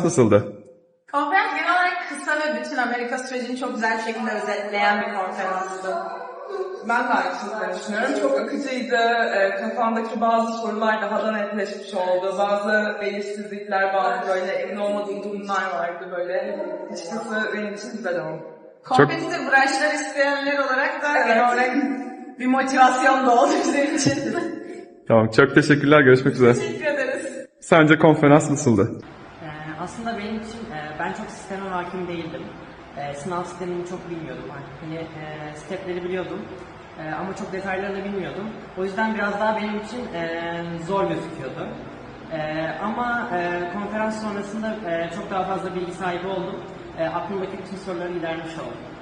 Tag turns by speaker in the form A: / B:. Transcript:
A: nasıldı?
B: Konferans genel olarak kısa ve bütün Amerika sürecini çok güzel bir şekilde özetleyen bir konferanstı.
C: Ben de aynı şekilde düşünüyorum. Çok akıcıydı. Kafamdaki bazı sorular daha da netleşmiş oldu. Bazı belirsizlikler, bazı böyle emin olmadığım durumlar vardı böyle. Açıkçası benim için güzel oldu.
B: Kompetitif branşlar isteyenler olarak da
C: Evet.
B: genel olarak bir motivasyon da oldu bizim için.
A: Tamam, çok teşekkürler. Görüşmek üzere.
B: Teşekkür ederiz.
A: Sence konferans nasıldı?
D: Aslında benim için ben çok sisteme hakim değildim. Sınav sistemini çok bilmiyordum artık. Hani stepleri biliyordum ama çok detaylarını bilmiyordum. O yüzden biraz daha benim için zor gözüküyordu. Ama konferans sonrasında çok daha fazla bilgi sahibi oldum. Aklımdaki bütün soruları gidermiş oldum.